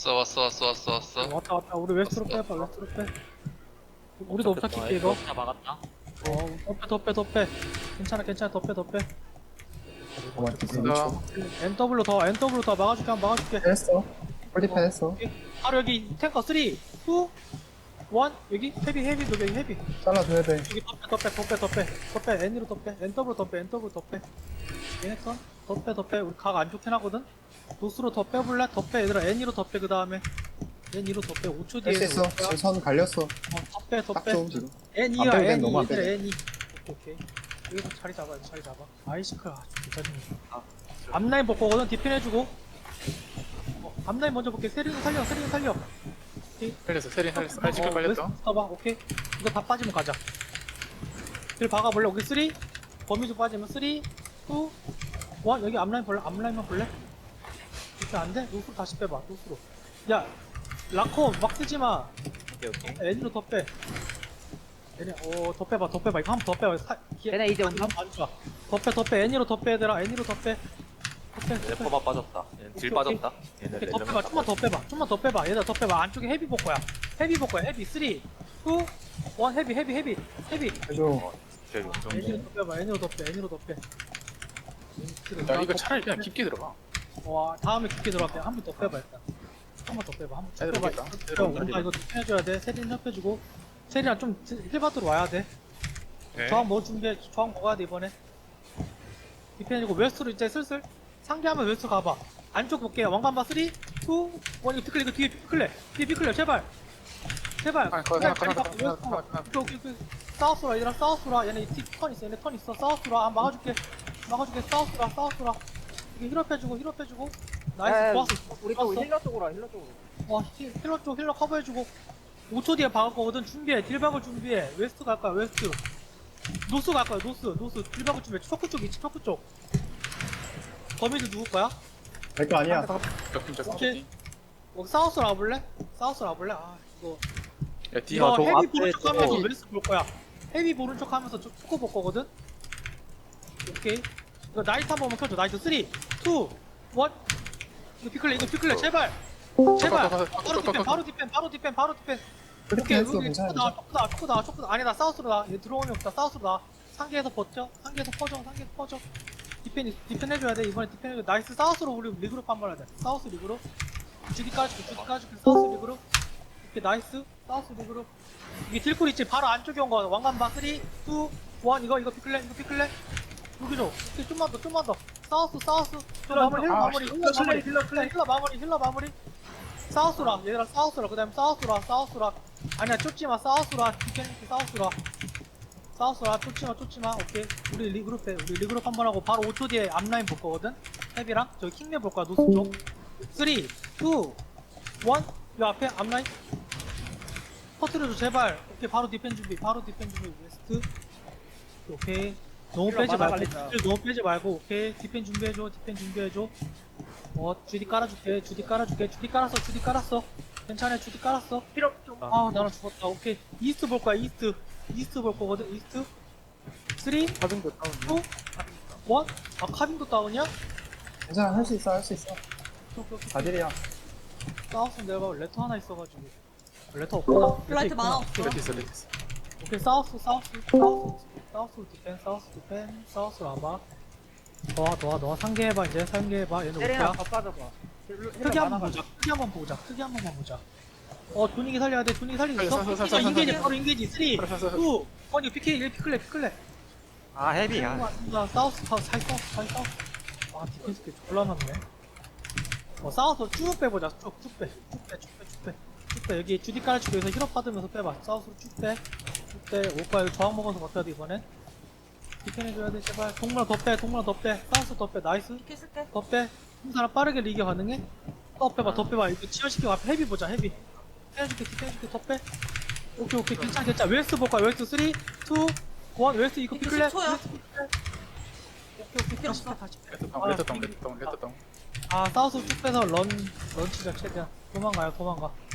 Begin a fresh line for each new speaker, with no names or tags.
왔어.
왔다 우리 웨스트로 빼봐 웨스트로 빼 우리도 옵차킬게 이거
다 막았다.
더 빼 괜찮아 더 빼
가만히 있어.
NW 더 막아줄게 한번 막아줄게
했어. 폴디펜 했어.
바로 여기 탱커 3 2 1 여기 헤비 여기 헤비
잘라줘야 돼.
여기 더빼 N으로 더빼 NW 더빼 얘네 더빼 우리 각 안 좋긴 하거든 노스로 더 빼볼래? 더빼 얘들아 N으로 더빼 그 다음에 N으로 더빼 5초 뒤에
할 수 있어. 지금 선 갈렸어.
더빼
딱 좋은 지금.
N이야
안 빼도 돼,
N2
너무 안
얘들아
빼도
N2 오케이 여기서 자리 잡아 아이시크야 괜찮네 앞라인 볼 거거든 디펜 해주고 앞라인 먼저 볼게 세리는 살려
살렸어. 세린 살렸어. 아이지클 빨렸어.
봐봐 오케이 이거 다 빠지면 가자 길 박아볼래? 오케이 3 범위도 빠지면 3 2 1 여기 앞라인 볼래? 앞라인만 볼래? 이렇게 안돼? 노스로 다시 빼봐 노스로 야 라코 막 쓰지마
오케이.
N으로 더빼 얘네 더 빼봐 이거 한 번 더 빼봐
얘네 이제 온다.
안 좋아 더빼 N으로 더빼 얘들아 N으로 더빼
레퍼가 빠졌다. 얘는 딜 빠졌다. 얘네
더 빼봐 좀만 더 빼봐 얘들아 더 빼봐 안쪽에 헤비 볼 거야 헤비 3 2 1 헤비
해줘.
제일 엄청.
N으로 더 빼봐 N으로 더빼
야 이거 차라리 그냥 깊게 들어가.
와 다음에 깊게 들어갈게 한 번 더 빼봐 일단 한 번 더 빼봐 한 번 더
애들
빼봐
오겠다.
우리가 이거 디펜해줘야 돼 세린 협해주고 세린이랑 좀 힐받으러 와야 돼
네.
저항 뭐 준비해 저항 먹어야 돼 이번에 디펜해주고 웨스트로 이제 슬슬 상대하면 웨스트 가봐 안쪽 볼게 왕관바 3 2 1 이거 피클레 이거 뒤에 피클레 제발
아, 거기 하나.
오케이 사우스라 얘들아 사우스라 얘네 턴 있어 사우스라 막아줄게 사우스라 이게 힐업 해주고 나이스 좋았어
우리 또 힐러 쪽으로 와.
와 힐러 쪽 힐러 커버해주고 5초 뒤에 박을 거거든 준비해 딜박을 준비해 웨스트 갈 거야 웨스트 노스 갈 거야 노스 딜박을 준비해 초크 쪽 있지 초크 쪽 거미줄 누구 거야?
내거 아니야.
오케이 사우스로 와볼래? 아 이거
야뒤
이거
저
헤비
앞에
보는 척
저거-
하면서 웨스트 볼 거야 헤비 보는 척 하면서 초크 볼 거거든 오케이 이거 나이트 한 번만 켜줘 나이트 3 2 1 이거 피클레 제발 바로 디펜
폴디펜 했어.
여기
괜찮아.
초크 나와 아니다 사우스로 나얘 들어오면 없다 사우스로 나와 상계에서 버텨 상계에서 퍼져 디펜 해줘야 돼 이번에 디펜 해줘 나이스 사우스로 우리 리그룹 한번 해야 돼 사우스 리그룹 주디 까줄게 사우스 리그룹 이렇게 나이스 사우스 리그룹 이게 딜쿨 있지 바로 안쪽에 온 거 왕관바 3 2 1 이거 피클레 여기 줘 오케이 좀만 더 사우스 힐러 마무리 사우스라 얘들아 사우스라 그 다음에 사우스라 아니야 쫓지마 사우스라 디펜스 사우스라 쫓지마 오케이 우리 리그룹 한번 하고 바로 5초 뒤에 앞라인 볼 거거든 헤비랑 저기 킹맨 볼 거야 노스 쪽 3 2 1 요 앞에 앞라인 퍼트려줘 제발 오케이 바로 디펜 준비 웨스트 오케이 너무 빼지 말고 오케이 디펜 준비해줘 주디 깔았어 괜찮아 주디 깔았어 나랑 죽었다 오케이 이스트 볼 거야 이스트 볼 거거든 이스트 3 2 1 카빙도 다운이야?
괜찮아. 할 수 있어.
오케이.
다딜이야.
사우스 내가 레터 하나 있어가지고 레터 없구나
블라이트 많아.
레티스.
오케이 사우스 디펜 사우스로 와봐 너와 상계해봐 이제 상계해봐 얘는
세린아
올게야
더 빠져봐.
크게 한번 보자 분위기 살려야 돼 살릴 수 있어?
살려.
인게이지 바로 인게이지 3 2 1 이거 피클레
아 헤비야.
사우스 디펜스 꽤 졸라 많네 사우스로 쭉 빼보자 쭉 빼 여기 주디 깔아주고 여기서 힐업 받으면서 빼봐 사우스로 쭉빼 오빠 여기 저항 먹어서 버텨야 돼 이번엔 디펜 해줘야 돼 제발 동물 더 빼 사우스 더 빼 나이스
이렇게 쓸게.
더 빼. 한 사람 빠르게 리그 가능해? 더 빼봐. 이거 치열시키고 앞에 헤비 보자, 헤비. 해줄게, 더 빼. 오케이, 괜찮아. 웨스트 볼 거야, 웨스트 3, 2, 1, 웨스트 이거
이거
피클레.
10초야.
오케이, 다시 빼.
레터 다운.
사우스 쭉 빼서 런치자, 최대한. 도망가.